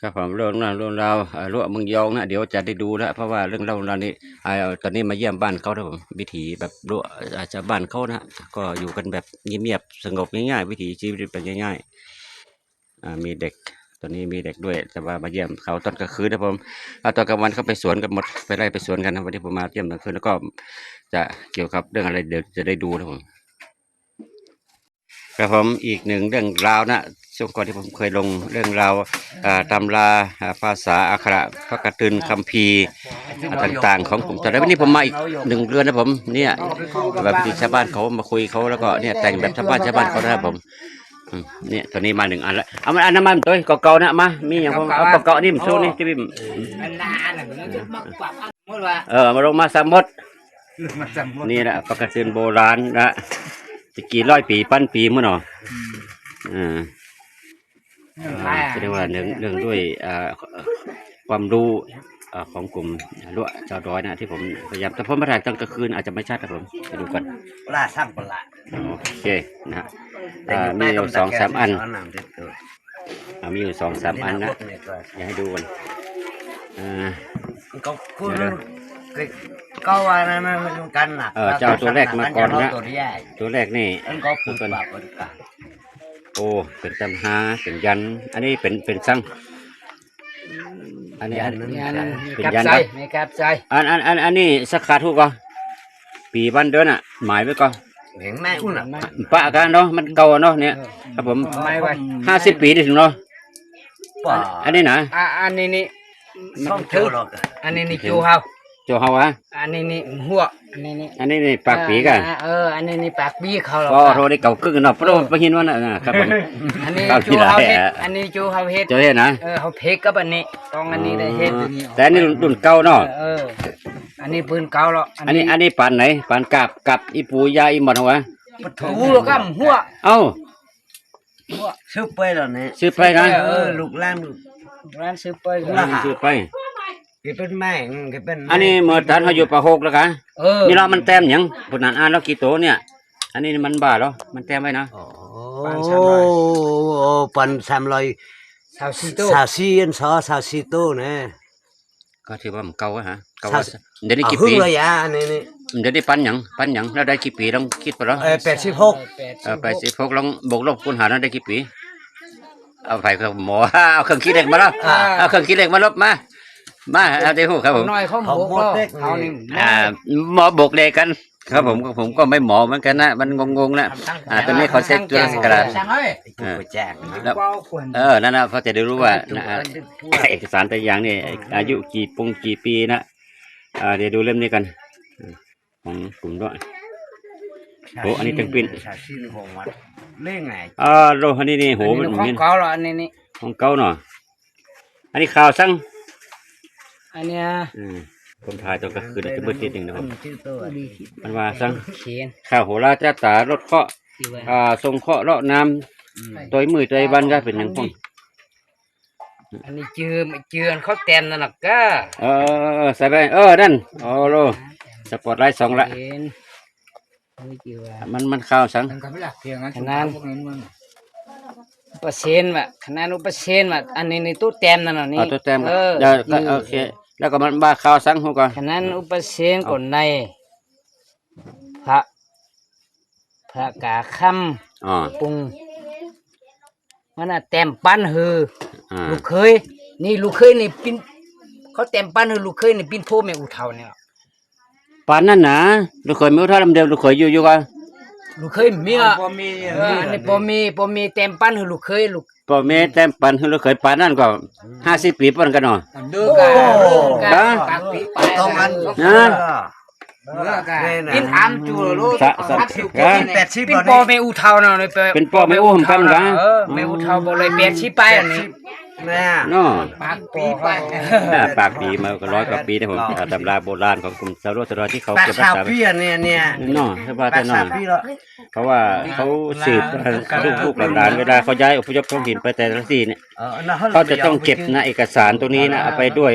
ครับผมเรื่องราวรั้วเมืองยองนะเดี๋ยวจะได้ดูแล้วเพราะว่าเรื่องเล่าเรานี่ตอนนี้มาเยี่ยมบ้านเขานะผมวิถีแบบรั้วอาจจะบ้านเขานะก็อยู่กันแบบเงียบๆสงบง่ายๆวิถีชีวิตเป็นง่ายๆมีเด็กตอนนี้มีเด็กด้วยแต่ว่ามาเยี่ยมเขาตอนกลางคืนนะผมตอนกลางวันเขาไปสวนกันหมดไปไล่ไปสวนกันนะวันนี้ผมมาเยี่ยมตอนกลางคืนแล้วก็จะเกี่ยวกับเรื่องอะไรเดี๋ยวจะได้ดูนะผม ครับผมอีกหนึ่งเรื่องราวนะช่วงก่อนที่ผมเคยลงเรื่องราวตำราภาษาอักขระพระกฐินคัมภีร์ต่างๆของกลุ่มแต่แล้ววันนี้ผมมาอีกหนึ่งเรือนนะผมเนี่ยแบบที่ชาวบ้านเขามาคุยเขาแล้วก็เนี่ยแต่งแบบชาวบ้านเขานะครับผมเนี่ยตัวนี้มาหนึ่งอันแล้วเอามาอันน้ำมันตัวเก่าๆนะมามีอย่างผมเอาเก่าๆนี่มันสู้นี่ที่พี่มาลงมาสามมดนี่แหละพระกฐินโบราณนะจะกี่ร้อยปีพันปีมั้งเนาะแสดงว่าเรื่องด้วยความรู้ของกลุ่มรั้วชาวดอยนะที่ผมพยายามแต่ผมมาถ่ายตอนกลางคืนอาจจะไม่ชัดนะผมไปดูกันล่าสร้างปลาโอเคนะฮะมีอยู่2-3อันมีอยู่2-3อันนะอยากให้ดูกันก็ว่านั่นกันนะเจ้าตัวแรกมาก่อนนะตัวแรกนี่ก็ปูนปลาโอ้เป็นตำฮาเป็นยันอันนี้เป็นซังอันนี้เป็นยันครับไม่กับใจอันนี้สักขาทุกก็ปีบ้านเดือนอ่ะหมายไว้ก็เห็นแม่อุ่นอ่ะปะกันเนาะมันเก่าเนาะเนี่ยครับผม50 ปีได้ถึงเนาะอันนี้นะอันนี้นี่ต้องเจอหรอกอันนี้นี่จูเฮาอันนี้นี่หัวอันนี้นี่ปากปีกันอันนี้นี่ปากปีเขาหรอก็โทรได้เก่าครึ่งเนาะเพราะว่าไปหินว่านะครับผมอันนี้จูเฮาเฮ็ดอันนี้จูเฮาเฮ็ดนะเขาเพกกับอันนี้ต้องอันนี้ได้เฮ็ดแต่อันนี้รุ่นเก่าเนาะอันนี้ปืนเก่าหรออันนี้ปานไหนปานกับอีปูยาอีหมดหัวปะทูกับหัวเอ้าซื้อไปแล้วเนี่ยซื้อไปนะลูกร้านซื้อไปซื้อไปเป็นแม่เป็นอันนี้เมื่อท่านเขาอยู่ปะหกแล้วกันนี่เรามันแต้มอย่างปุ่นนั้นแล้วกี่โตเนี่ยอันนี้มันบ้าแล้วมันแต้มไว้นะปัน300 โตเนี่ยก็ถือว่ามันเก่าฮะเก่าเดี๋ยวนี้กี่ปีเลยอ่ะนี่เดี๋ยวนี้ปันอย่างแล้วได้กี่ปีลองคิดไปแล้ว86ลองบวกลบคูณหารแล้วได้กี่ปีเอาไปกับหมอเอาเครื่องคิดเลขมาแล้วเอาเครื่องคิดเลขมาลบมาเอาได้หูครับผมน้อยเขาบวกเขานี่หมอบวกเลขกันครับผมก็ไม่หมอเหมือนกันนะมันงงนะตอนนี้เขาเช็คตัวกระดาษนั่นนะเขาจะได้รู้ว่าเอกสารแต่อย่างนี่อายุกี่ปีนะเดี๋ยวดูเล่มนี้กันของกลุ่มด้วยโหอันนี้ตึงปิ้นเล่งไงโลอันนี้โหมันของเก่าหรออันนี้ของเก่าเนาะอันนี้ข่าวสั่งอันเนี้ยผมถ่ายตอนกลางคืนจะมืดนิดนึงนะครับมันว่าสั่งข่าวโหราจ้าตารถเคาะทรงเคาะเลาะน้ำตัวมือตัวบันก็เป็นอย่างพวกอันนี้เจือเขาเต็มนั่นหรอกก็ใส่ไปนั่นโลสปอร์ตไลท์2ละมันข่าวสั่งขนาด%ว่ะขนาด%ว่ะอันนี้ตู้เต็มนั่นน่ะนี่ตู้เต็มโอเคแล้วก็มันบ้าข่าวสั่งหัวก่อนขนาด%ก่อนในพระกาคำปุงมันน่ะเต็มปั้นหือลูกเคยนี่ปิ้นเขาเต็มปั้นหือลูกเคยนี่ปิ้นโพแม่อุเทาเนี่ยปั้นนั่นนะลูกเคยไม่รู้เท่าเดิมลูกเคยอยู่กันลูกเคยมีอันนี้ปอมีเต็มปั้นหือลูกเคยปอมีเต็มปั้นหือลูกเคยปั้นนั่นก็50 ปีปั้นกันเนาะดูกันปากปีไปตรงนั้นปิ้นจูลูกปิ้นปอแม่อุเทาเนาะเป็นปอแม่อุผมกันกันแม่อุเทาบ่เลย80 ไปอันนี้เนาะปากปีไปปากปีมาก็100 กว่าปีนะผมตำราโบราณของกลุ่มชาวโรที่เขาเก็บรักษาไว้เนี่ยเนาะถ้าว่าแต่เนาะเพราะว่าเขาสืบลูกหลานเวลาเขาย้ายอพยพท้องถิ่นไปแต่ละที่เนี่ยเขาจะต้องเก็บนะเอกสารตัวนี้นะเอาไปด้วย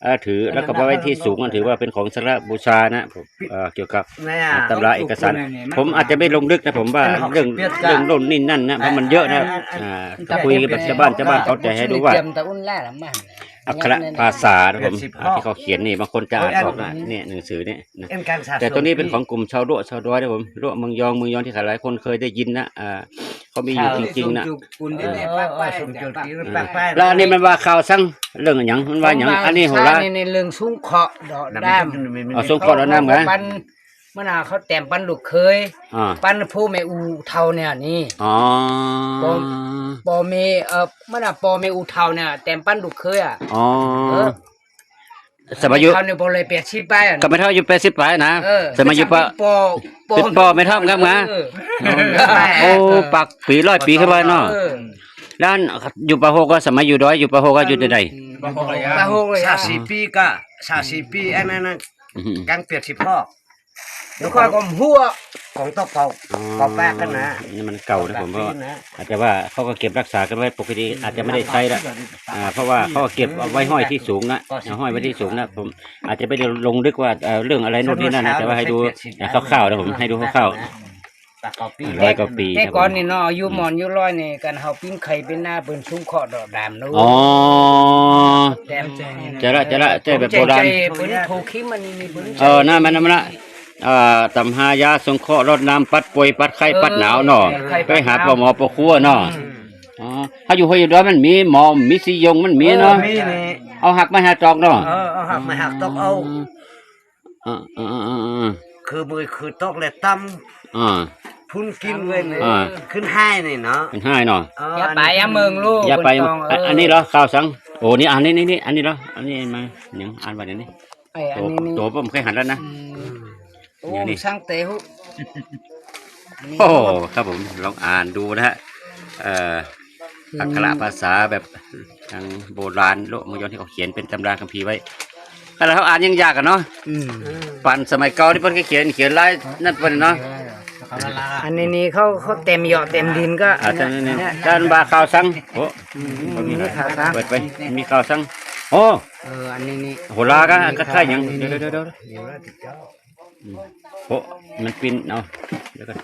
ถือแล้วก็ไปไว้ที่สูงถือว่าเป็นของสักการะบูชานะผมเกี่ยวกับเนี่ยตำราเอกสารผมอาจจะไม่ลงลึกนะผมว่าเรื่องโน่นนี่นั่นนะเพราะมันเยอะนะถ้าคุยกับชาวบ้านเขาจะให้รู้ว่าตะอุ่นแล่ละมันอักขระภาษานะผมที่เขาเขียนนี่บางคนจะอ่านออกนะเนี่ยหนังสือเนี่ยนะเอ็นการสะสมแต่ตัวนี้เป็นของกลุ่มชาวรั้วชาวดอยนะผมรั้วเมืองยองที่หลายคนเคยได้ยินนะเขามีอยู่จริงๆนะสมจุดที่ปักแป้งแล้วอันนี้มันว่าข่าวสั่งเรื่องอย่างมันว่าอย่างอันนี้ของเราในเรื่องสูงเคาะดอกด้ามเอาส่งขอดน้ำกันปันเมื่อน่ะเขาแต่มปันลูกเคยอ่าปันผู้แม่อูเท่าเนี่ยนี่อ๋อปอเมเมื่อน่ะปอเมอูเท่าเนี่ยแต่มปันลูกเคยอ่ะอ๋อเออสมัยอยู่เท่าเนี่ยบ่เลย80ไปอ่ะก็ไม่เท่าอยู่80ปลายนะเออสมัยอยู่ปะ เป็นปอไม่เท่ากันนะ โอ้ปักปี100 ปีขึ้นไปเนาะเออแล้วอยู่ปะโฮก็สมัยอยู่ดอยอยู่ปะโฮก็อยู่ที่ใดปะโฮเลยสาสีปีก็สาสีปีอันนั้นกังเปียกสิพ่อเดี๋ยวค่อยก็หัวของตกเก่าแป้งกันนะนี่มันเก่านะผมเพราะว่าอาจจะว่าเขาก็เก็บรักษากันไว้ปกติอาจจะไม่ได้ใช้ละเพราะว่าเขาก็เก็บเอาไว้ห้อยที่สูงนะเอาห้อยไว้ที่สูงนะผมอาจจะไม่ได้ลงลึกว่าเรื่องอะไรโน่นนี่นั่นนะแต่ว่าให้ดูคร่าวๆนะผมให้ดูคร่าว ร้อยกว่าปีแต่ก่อนนี่เนาะอายุหมอนอายุร้อยนี่กันเฮาปิ้งไข่เป็นหน้าเปิ้นสูงเคาะดอกดามเนาะๆอ๋อแต้มจะละใจแบบโบราณเปิ้นโทคิมันนี่มีเปิ้นนั่นมันนะตำหายาสงเคราะห์รดน้ำปัดป่วยปัดไข้ปัดหนาวเนาะไปหาปหมอปครัวเนาะอ๋อถ้าอยู่ห้วยดอยมันมีหมอมีสิยงมันมีเนาะมีนี่เอาหักมาหาจอกเนาะเอาหักมาหักตกเอา คือมือคือตกเลยตั้มอ่าพุ่นกินเลยนี่อ่าขึ้นให้นี่เนาะเป็นให้เนาะอย่าไปอย่าเมืองลูกอย่าไปเพิ่นต้องอันนี้เหรอข้าวสังโอ้นี่อันนี้อันนี้เหรออันนี้มายังอ่านว่าเดี๋ยวนี้ไอ้อันนี้นี่ตัวผมเคยหันแล้วนะโอ้อย่างนี้สร้างเตหุโอ้ครับผมลองอ่านดูนะฮะอักขระภาษาแบบทางโบราณโลกมยอนที่เขาเขียนเป็นตำราคัมภีร์ไว้ขณะเขาอ่านยังยากกันเนาะอืมปั่นสมัยเก่าที่เพิ่นเขียนลายนั่นเพิ่นเนาะอันนี้นี่เขาเต็มเหยาะเต็มดินก็อาจารย์นี่ด้านบาข่าวสังโอ้นี่ข่าวซังเปิดไปมีข่าวสังโอ้อันนี้นี่โหราก็ใช่ยังเดี๋ยวโอ้มันปินเอาเดี๋ยวกัน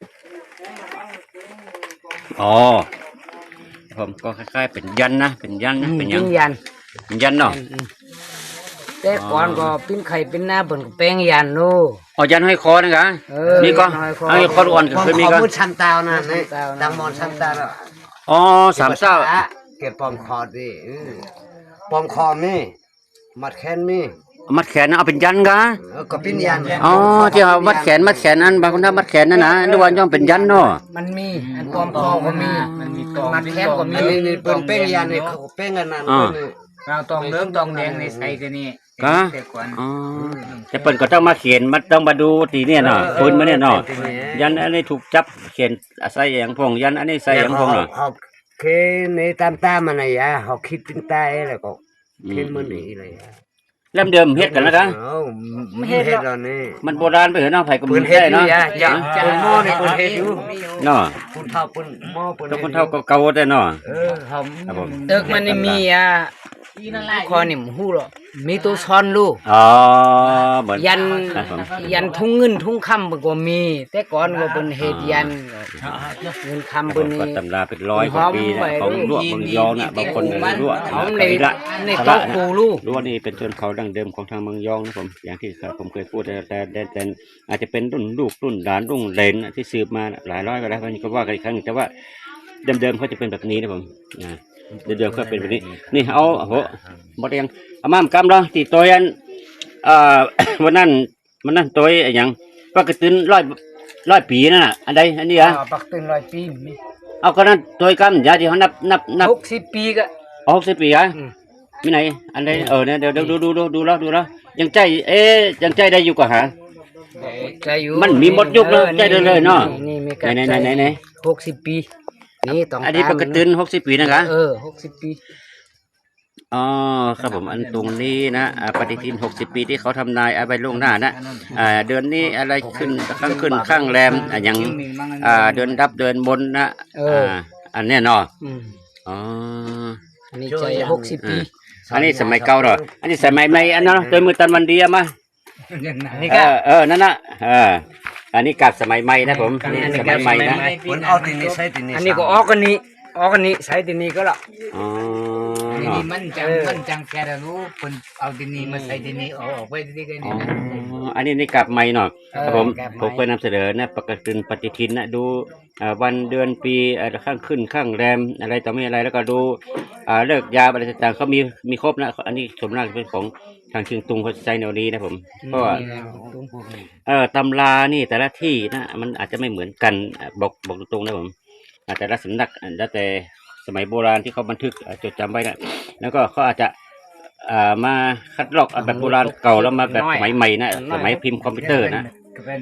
อ๋อผมก็คล้ายๆเป็นยันนะเป็นยันนะเป็นหยังปิ้งยันเป็นยันเนาะแต่ก่อนก็ปิ้งไข่เป็นหน้าเปิ้นก็แป้งยันโน่อ๋อยันห้อยคอนะกะเออมีก็ห้อยคอห้อยคออ่อนก็ผมเคยมีขอก็พูดชันตาวนะนี่ชันตาวนะตังมอนชันตาวน่ะอ๋อสามเศร้าเก็บปอมคอดิปอมคอมีมัดแขนมีมัดแขนนะเอาเป็นยันกะก็ปิ้นยันอ๋อที่เอามัดแขนอันบางคนทำมัดแขนนั่นนะนึกว่าย่อมเป็นยันเนาะมันมีอันปลอมคอก็มีมันมีตองมัดแขนก็มีอันนี้เป็นเป้งยันนี่เขาเป้งกันนั่นเราตองเหลืองตองแดงในใส่กันนี่กะแต่ก่อนอ๋อแต่เปิ่นก็ต้องมาเขียนมันต้องมาดูตีเนี่ยเนาะปืนมาเนี่ยเนาะยันอันนี้ถูกจับเขียนใส่อย่างพงยันอันนี้ใส่อย่างพงเนาะเขาเคในตามมันน่ะยะเขาคิดเป็นตายแล้วก็เข็นมันนี่เลยเริ่มเดิมเฮ็ดกันแล้วกันไม่เฮ็ดแล้วนี่มันโบราณไปเหรอเนาะไผก็ปืบ่นเฮ็ดได้อยู่เนาะยะจะปืนหม้อนี่ปืนเฮ็ดอยู่เนาะปืนเท่าปืนหม้อปืนทุกคนเท่าเก่าๆแต่เนาะเขาครับผมตึกมันนี่มีคอนี่มฮู้หรอมีตัวซ้อนลูกอ๋อเหมือนยันครับผมยันทุ่งเงินทุ่งคำเพิ่นก็มี แต่ก่อนก็เป็นเฮ็ดยันเงินคำผเพิ่นมนี่ก็ตำราเป็นร้อยกว่าปีนะของลวกเมืองยองน่ะบางคนลวกเอากะในลิละในสโต๊ะละครูลูกลวกนี่เป็นชนเผ่าดั้งเดิมของทางเมืองยองนะผมอย่างที่ผมเคยพูดแต่อาจจะเป็นรุ่นลูกรุ่นหลานรุ่นเหลนที่สืบมาหลายร้อยก็แล้วก็ว่ากันอีกครั้งแต่ว่าเดิมๆเขาจะเป็นแบบนี้นะผมเดิมๆก็เป็นแบบนี้นี่เอาโหหมดยังเอามามกำเราตีตัวยันวันนั้นตัวอย่างปกติร้อยปีนั่นน่ะอันใดอันนี้อ่ะปักตึง100 ปีมีเอาก็นั้นตัวกำยาที่เขานับ 60 ปีก็ 60 ปีอ่ะอืมมีไหนอันใดเนี่ยเดี๋ยวดูแล้วยังใจยังใจได้อยู่กว่าหาใจอยู่มันมีหมดยุคเลยใจเลยเนาะนี่มีไหน 60 ปีนี่ต้องอันนี้ปกติ60 ปีนะคะ 60 ปีอ๋อครับผมอันตรงนี้นะปฏิทิน60 ปีที่เขาทำนายเอาไปล่วงหน้านะเดือนนี้อะไรขึ้นข้างแรมอย่างเดือนดับเดือนบนนะอันเนี้ยเนาะอืมอ๋ออันนี้ใจ60 ปีอันนี้สมัยเก่าเหรออันนี้สมัยใหม่อันนั้นตัวมือตันวันเดียมาอันนี้ก็นั่นน่ะอันนี้กับสมัยใหม่นะผมนี่สมัยใหม่นะคนเอาที่นี่ใช้ที่นี่อันนี้ก็ออกกันนี้ใช้ที่นี่ก็ละอ๋อนี่มันจังแค่รู้คนเอาที่นี่มาใส่ที่นี่เอาออกไปที่นี่ก็นี่นะอันนี้กับใหม่หน่อยครับผมเคยนำเสนอนะปฏิทินนะดูวันเดือนปีข้างขึ้นข้างแรมอะไรต่อไม่อะไรแล้วก็ดูเลิกยามอะไรต่างๆเขามีครบนะอันนี้ส่วนมากเป็นของทางเชียงตุงเขาใช้แนวนี้นะผมเพราะว่าตำรานี่แต่ละที่นะมันอาจจะไม่เหมือนกันบอกตรงๆนะผมแต่ละสำนักแล้วแต่สมัยโบราณที่เขาบันทึกจดจำไว้นะแล้วก็เขาอาจจะมาคัดลอกแบบโบราณเก่าแล้วมาแบบสมัยใหม่นะสมัยพิมพ์คอมพิวเตอร์นะ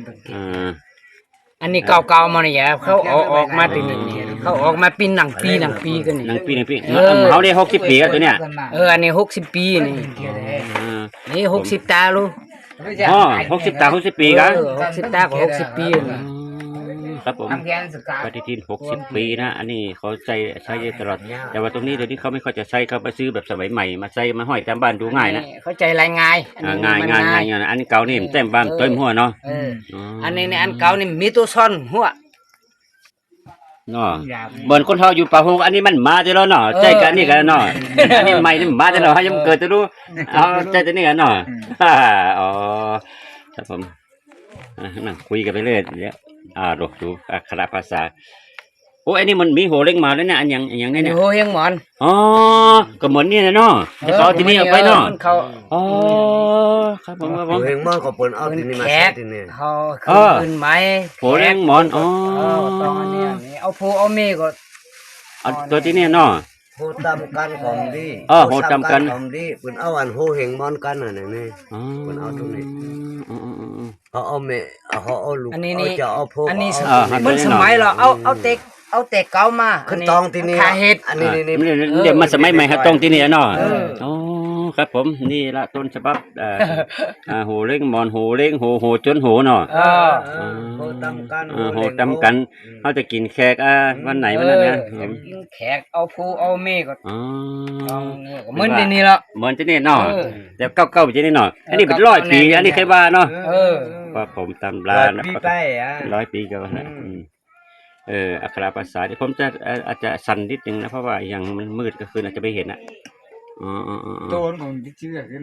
อันนี้เก่าๆมาเนี่ยเขาออกมาตีนี่เขาออกมาปีหนังปีกันนี่หนังปีเขาได้60 ปีกันตัวเนี้ยอันนี้60 ปีนี่60 ตาลูก 60 ตา60 ปีกัน 60 ตาก็60 ปีครับผมปฏิทิน60 ปีนะอันนี้เขาใช้ตลอดแต่ว่าตรงนี้เดี๋ยวนี้เขาไม่ค่อยจะใช้เขาไปซื้อแบบสมัยใหม่มาใส่มาห้อยตามบ้านดูง่ายนะเข้าใจรายง่ายง่ายอันนี้เก่านี่เต็มบ้านเต็มหัวเนาะอันนี้อันเก่านี่มีตัวซ่อนหัวเนาะเหมือนคนเฮาอยู่ป่าโฮงอันนี้มันมาแต่แล้วเนาะใจกันนี่กันเนาะอันนี้ใหม่นี่มาแต่แล้วยังเกิดจะรู้เอาใจตัวนี้กันเนาะอ๋อครับผมนั่งคุยกันไปเรื่อยเดี๋ยวดูอักขระภาษาโอ้อันนี้มันมีโหเล็งมาแล้วเนี่ยอันอย่างนี้เนี่ยโหเฮงหมอนก็เหมือนนี่นะเนาะจะเขาที่นี่เอาไปเนาะครับผมโหเฮงหมอนก็เปิ้นเอาที่นี่มาใช้ที่นี่เขาขึ้นไม้โหเล็งหมอนตอนนี้เอาผู้เอาเมก็ตัวที่นี่เนาะโหตำกันของดีโหตำกันของดีเปิ้นเอาอันโหเฮงหมอนกันน่ะนี่เปิ้นเอาตรงนี้เอาเมเอาลูกเอาจะเอาโพอันนี้มันสมัยเราเอาเต็กเก่ามาขึ้นตองที่นี่ขาเห็ดอันนี้เดี๋ยวมาสมัยใหม่ครับตรงที่นี่เนาะครับผมนี่ละต้นฉบับโหเล้งหมอนโหเล้งโหจนโหเนาะโหตำกันเขาจะกินแขกวันไหนวันนั้นนะกินแขกเอาผู้เอาเมก็เหมือนที่นี่ละเหมือนที่นี่เนาะแต่เก่าๆที่นี่เนาะอันนี้เป็น100 ปีอันนี้เคยว่าเนาะว่าผมตำรานะ100 ปีก็ว่าอักขระภาษาที่ผมจะอาจจะสั่นนิดนึงนะเพราะว่าอย่างมันมืดก็คืออาจจะไม่เห็นอ่ะตัวของชื่อขึ้น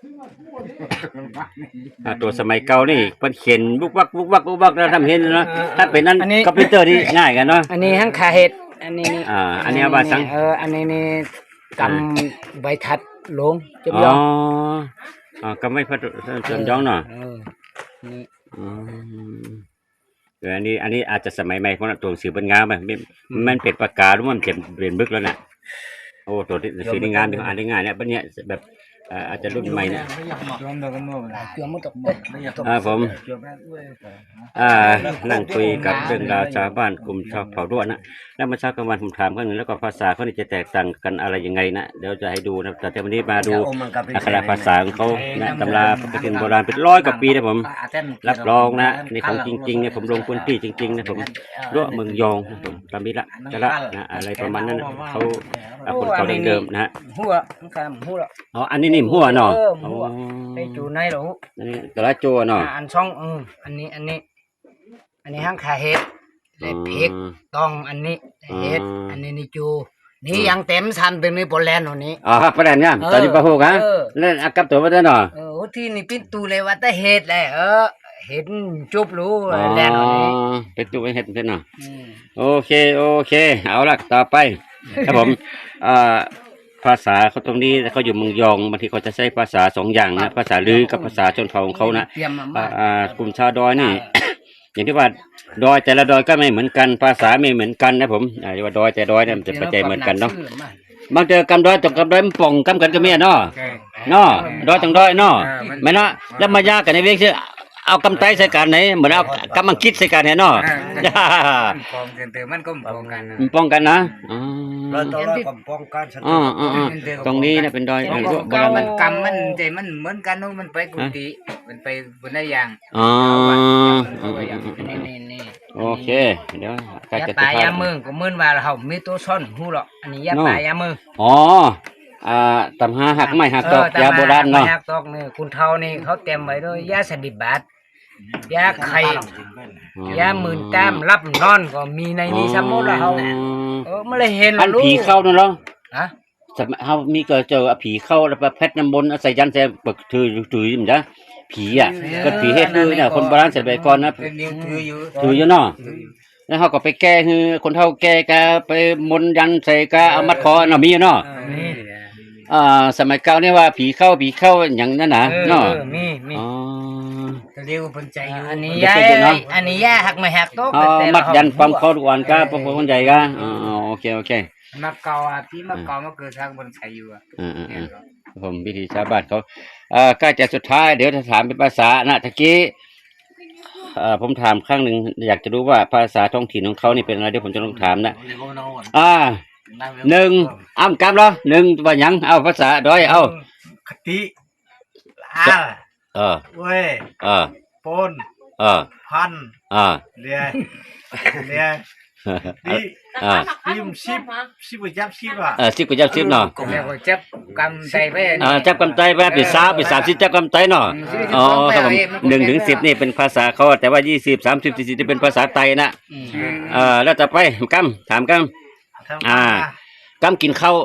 ตัวสมัยเก่านี่เพิ่นเขียนบุกวักแล้วทำเห็นนะถ้าเป็นนั้นคอมพิวเตอร์นี่ง่ายกันเนาะอันนี้ทั้งขาเห็ดอันนี้อันนี้ว่าสังอันนี้นี่กำใบทัดลงจำยองกำใบพัดจำยองเนาะอันนี้อาจจะสมัยใหม่ของตัวสื่อเป็นงามมันเป็นปากกาหรือมันเป็นบึกแล้วน่ะโอ้ตัวสื่อในงานอ่านได้ง่ายเนี่ยปัญญาแบบอาจจะรุ่นใหม่เนี่ยผมนั่งคุยกับเรื่องราวชาวบ้านกลุ่มชาวเผ่าด้วนนะแล้วมาเช้ากลางวันผมถามเขาหนึ่งแล้วก็ภาษาเขาจะแตกต่างกันอะไรยังไงนะเดี๋ยวจะให้ดูนะแต่วันนี้มาดูอักขระภาษาของเขาตำราปฏิทินโบราณเป็น100 กว่าปีนะผมรับรองนะในของจริงๆเนี่ยผมลงพื้นที่จริงๆนะผมรั้วเมืองยองผมตามนี้ละจะละนะอะไรประมาณนั้นเขาคนเขาเดิมๆนะฮะหัวอันนี้นิ่มหัวเนาะไอ้จูในหรออันนี้ตะละโจเนาะอันช่องอันนี้ห้างขาเห็ดเลยพริกต้องอันนี้เห็ดอันนี้นี่จูนี่ยังเต็มทันเป็นนี่โปแลนด์นี้ครับโปแลนด์เนี่ยตอนนี้ปะโหกะเล่นอากับตัวมาได้เนาะที่นี่ปิ้นตูเลยว่าแต่เห็ดเลยเห็ดจุบรู้แลนด์นี้เป็นตูเห็ดเป็นเนาะโอเคเอาละต่อไปครับผมภาษาเขาตรงนี้เขาอยู่เมืองยองบางทีเขาจะใช้ภาษา2 อย่างนะภาษาลือกับภาษาชนเผ่าของเขานะกลุ่มชาวดอยนี่ อย่างที่ว่าดอยแต่ละดอยก็ไม่เหมือนกันภาษาไม่เหมือนกันนะผมที่ว่าดอยแต่ดอยเนี่ยมันจะปัจจัยเหมือนกันเนาะบางเจอกำดอยตกกำดอยมันป่องกำกันก็เมียเนาะดอยจังดอยเนาะไม่เนาะแล้วมายากกันในเรื่องชื่อเอากำไตใส่กันไหนเหมือนเอากำมังคิดใส่กันเนี่ยเนาะป้องกันมันก็ป้องกันนะเราต้องป้องกันตรงนี้นะเป็นดอยมันกำมันใจมันเหมือนกันมันไปกุฏิมันไปบนได้อย่างโอโอเคเดี๋ยวใกล้ยาจะตายสุดท้ยามือก็เหมือนว่าเฮามีตัวซ่อนหูหรอกอันนี้ยาตายยามืออ๋อตำหาหักไม้หักตอกยาโบราณเนาะยาตอกนี่คุณเฒ่านี่เขาเตรียมไว้ด้วยยาสดิบาตยาไข่ยาหมื่นแต้มรับนอนก็มีในนี้สมมุติว่าเฮาไม่ได้เห็นอันผีเข้านั่นเหรอฮะเฮามีก็เจอผีเข้าแล้วไปเพชรน้ำมนต์ใส่ยันใส่ปึกถือมันจ้ะผีอ่ะก็ผีเฮ็ดคือเนี่ยคนโบราณสมัยก่อนนะเป็นนิ้วถืออยู่ถืออยู่เนาะแล้วเขาก็ไปแก้คือคนเฒ่าแก้กะไปมนต์ยันใส่กะเอามัดคอเนาะมีเนาะนี่สมัยเก่านี่ว่าผีเข้าอย่างนั้นน่ะเนาะมีอ๋อเรียกว่าเป็นใจอยู่อันนี้ยาอันนี้ยาหักไม่หักตอกมัดยันปั๊มคอทุกวันก็พวกคนใหญ่ก็โอเคมาเก่าที่มาเก่ามาเกิดทางบนใจอยู่อ่ะผมวิธีชาวบ้านเขาใกล้จะสุดท้ายเดี๋ยวจะถามเป็นภาษานะตะกี้ผมถามครั้งหนึ่งอยากจะรู้ว่าภาษาท้องถิ่นของเขานี่เป็นอะไรเดี๋ยวผมจะลองถามนะหนึ่งอ้ำกำเหรอหนึ่งว่าหยังเอาภาษาด้อยเอาคติเว้ยปนพันเรียดิดิมสิบจับสิบอ่ะสิบก็จับสิบเนาะแล้วก็จับกำใจไปจับกำไตไปเป็น30จับกำไตเนาะอ๋อครับผม1 ถึง 10นี่เป็นภาษาเขาแต่ว่า20 30 40นี่เป็นภาษาไทยนะแล้วต่อไปกำถามกำกินข้าว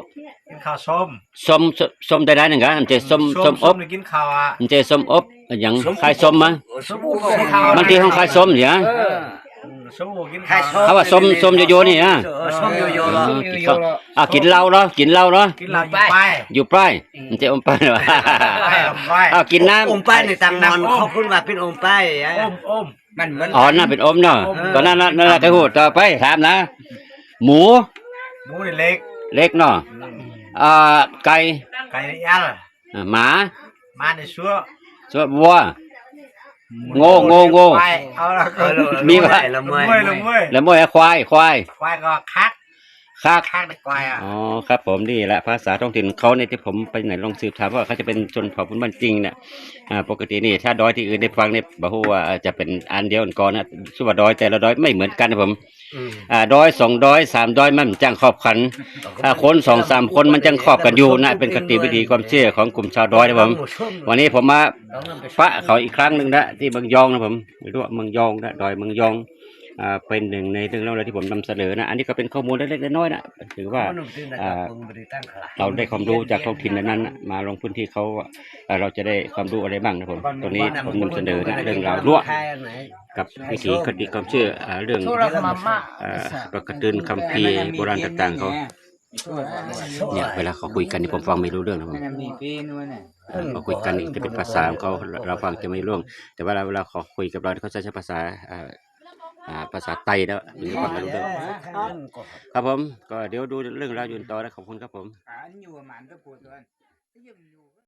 ส้มได้หนึ่งกันมันจะส้มอบกินข้าวอ่ะมันจะส้มอบอย่างคล้ายส้มมั้ยบางทีของคล้ายส้มเนี่ยส้มกินข้าวเขาว่าส้มโยโย่นี่นะส้มโยโย่กินเหล้าเนาะกินเหล้าอยู่ป้ายมันจะอมไปหรอกินน้ำอมป้ายในตังนอนเขาคุณว่าเป็นอมป้ายมันเหมือนอ๋อน่าเป็นอมเนาะก็นั่นก็พูดต่อไปถามนะหมูนี่เล็กเล็กเนาะไก่ยันหมามาในชัวส่วนวัวโง่มีว่าละเมยแล้วมวยควายก็คักคักในควายอ่ะอ๋อครับผมนี่แหละภาษาท้องถิ่นเขาเนี่ยที่ผมไปไหนลองสืบถามว่าเขาจะเป็นชนเผ่าพื้นบ้านจริงเนี่ยปกตินี่ถ้าดอยที่อื่นได้ฟังเนี่ยบอกว่าจะเป็นอันเดียวกันก่อนนะชื่อว่าดอยแต่ละดอยไม่เหมือนกันนะผมดอย2ดอย3ดอยมันจังครอบขันคน2-3คนมันจังครอบกันอยู่นะเป็นคติวิธีความเชื่อของกลุ่มชาวดอยนะผมวันนี้ผมมาปะเขาอีกครั้งหนึ่งนะที่เมืองยองนะผมไม่รู้ว่าเมืองยองนะดอยเมืองยองเป็นหนึ่งในเรื่องเล่าที่ผมนำเสนอนะอันนี้ก็เป็นข้อมูลเล็กๆน้อยๆนะถือว่าเราได้ความรู้จากท้องถิ่นนั้นนะมาลงพื้นที่เขาเราจะได้ความรู้อะไรบ้างนะผมตรงนี้ผมนำเสนอนะเรื่องราวรั่วกับวิถีคติความเชื่อเรื่องประกตืนคัมภีร์โบราณต่างๆเขาเนี่ยเวลาเขาคุยกันนี่ผมฟังไม่รู้เรื่องนะผมเขาคุยกันนี่จะเป็นภาษาของเขาเราฟังจะไม่รู้เรื่องแต่ว่าเวลาเขาคุยกับเราเขาจะใช้ภาษาไทยแล้วถึงจะฟังกันรู้เรื่องครับผมก็เดี๋ยวดูเรื่องราวยืนต่อนะขอบคุณครับผม